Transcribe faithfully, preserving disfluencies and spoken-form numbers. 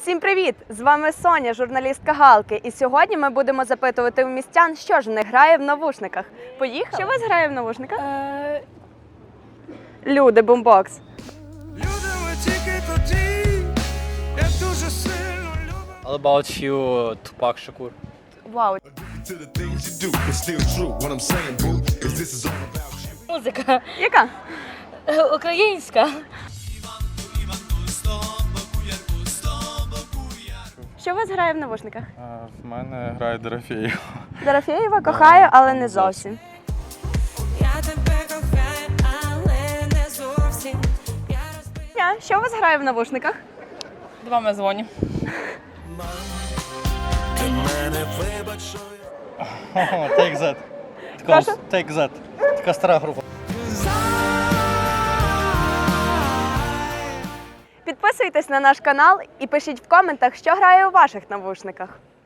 Всім привіт! З вами Соня, журналістка Галки. І сьогодні ми будемо запитувати у містян, що ж в них грає в навушниках. Поїхали? Що у вас грає в навушниках? Е, Люди, бумбокс. All About You, Tupac Shakur. Вау. музика Яка? Е, українська. Що у вас грає в навушниках? В мене грає Дорофєєва. Дорофєєва кохаю, але не зовсім. Я тебе кохаю, але не зовсім. Я розбив. Ня, що у вас грає в навушниках? Два ми дзвоню. Take That. Прошу? Take That. Така стара група. Підписуйтесь на наш канал і пишіть в коментах, що грає у ваших навушниках.